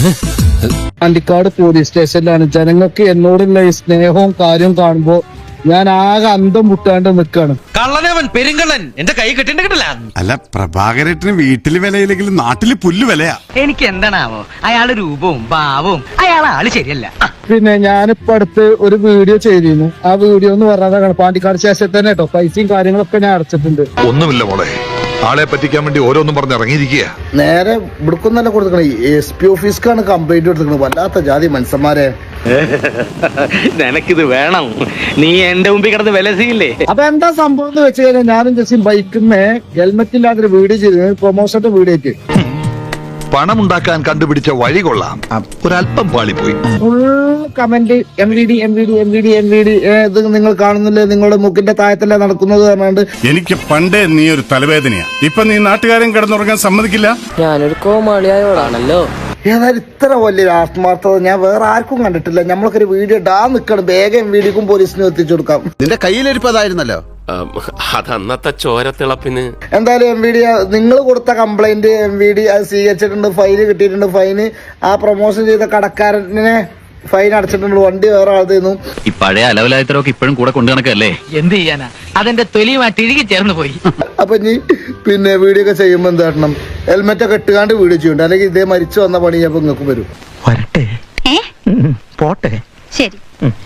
Pandikkad police സ്റ്റേഷനിലാണ്. ജനങ്ങൾക്ക് എന്നോടുള്ള ഈ സ്നേഹവും കാര്യവും കാണുമ്പോ ഞാൻ ആകെ അന്തം മുട്ടാണ്ട് നിൽക്കാണ്. കള്ളനവൻ പെരുങ്കള്ളൻ എന്റെ കൈ കെട്ടിട്ട് കിട്ടില്ല. അല്ല, പ്രഭാകരേട്ടന് വീട്ടില് വിലയില്ലെങ്കിലും നാട്ടില് പുല്ല് വിലയാ. എനിക്ക് എന്താണാവോ അയാളുടെ രൂപവും ഭാവവും ആള് ശരിയല്ല. പിന്നെ ഞാനിപ്പോ അടുത്ത് ഒരു വീഡിയോ ചെയ്തിരുന്നു. ആ വീഡിയോ എന്ന് പറഞ്ഞതാണ് പാണ്ടിക്കാട് സ്റ്റേഷനിൽ തന്നെ കേട്ടോ. പൈസയും കാര്യങ്ങളൊക്കെ ഞാൻ അടച്ചിട്ടുണ്ട്. ഒന്നുമില്ല മോളെ, ആളെ പറ്റിക്കാൻ വേണ്ടി ഓരോന്നും പറഞ്ഞ് ഇറങ്ങിയിരിക്കുക. നേരെ ഇവിടുക്കൊന്നല്ല കൊടുക്കണേ, SP ഓഫീസ്ക്കാണ് കംപ്ലൈന്റ് കൊടുത്തിരിക്കുന്നത്. വല്ലാത്ത ജാതി മനുഷ്യന്മാരെ. നിനക്കിത് വേണം, നീ എന്റെ മുമ്പിൽ കിടന്ന് വിലസിയില്ലേ. അപ്പൊ എന്താ സംഭവം എന്ന് വെച്ച് കഴിഞ്ഞാൽ ഞാനും ജസ്റ്റ് ബൈക്കിന്ന് ഹെൽമെറ്റ് ഇല്ലാത്തൊരു വീഡിയോ ചെയ്തു, പ്രൊമോഷന്റെ വീഡിയോക്ക്. പണമുണ്ടാക്കാൻ കണ്ടുപിടിച്ച വഴി കൊള്ളാം, ഒരല്പം പാളിപ്പോയി. ഫുൾ കമന്റ് MVD ഇത് നിങ്ങൾ കാണുന്നില്ലേ, നിങ്ങളുടെ മൂക്കിന്റെ താഴത്തല്ലേ നടക്കുന്നത് പറഞ്ഞാണ്ട്. എനിക്ക് പണ്ടേ നീ ഒരു തലവേദനയാ. ഇപ്പൊ നീ നാട്ടുകാരൻ കിടന്നുറങ്ങാൻ സമ്മതിക്കില്ല. ഞാനൊരു കോമാളിയായോടാണല്ലോ. ഏതായാലും ഇത്ര വലിയൊരു ആത്മാർത്ഥത ഞാൻ വേറെ ആർക്കും കണ്ടിട്ടില്ല. നമ്മളൊക്കെ വീഡിയോ ഇടാ നിൽക്കണം, വേഗം MVDക്കും പോലീസിനും എത്തിച്ചു കൊടുക്കാം. നിന്റെ കയ്യിലിരിപ്പതായിരുന്നല്ലോ. അതന്നത്തെ ചോരത്തിളപ്പിന്. എന്തായാലും MVD നിങ്ങൾ കൊടുത്ത കംപ്ലൈന്റ് MVD അത് സ്വീകരിച്ചിട്ടുണ്ട്, ഫൈന് കിട്ടിയിട്ടുണ്ട്. ഫൈന് ആ പ്രൊമോഷൻ ചെയ്ത കടക്കാരനെ ഫൈൻ അടച്ചിട്ടുണ്ട്. വണ്ടി വേറെ ആൾന്നു. ഈ പഴയ അലവലായത്തരൊക്കെ ഇപ്പോഴും കൂടെ കൊണ്ടു നടക്കല്ലേ. എന്ത് ചെയ്യാനാ, അതെന്റെ തൊലിയുമായിട്ട് ഇഴുകി ചേർന്ന് പോയി. അപ്പൊ ഇനി പിന്നെ വീഡിയോ ഒക്കെ ചെയ്യുമ്പോ എന്ത് കാട്ടണം, ഹെൽമെറ്റ് ഒക്കെ ഇട്ടുകാണ്ട് വീഡിയോ ചെയ്യണ്ട, അല്ലെങ്കിൽ ഇതേ മരിച്ചു വന്ന പണി അപ്പൊ നിങ്ങൾക്ക് വരും. വരട്ടെ, പോട്ടെ, ശരി.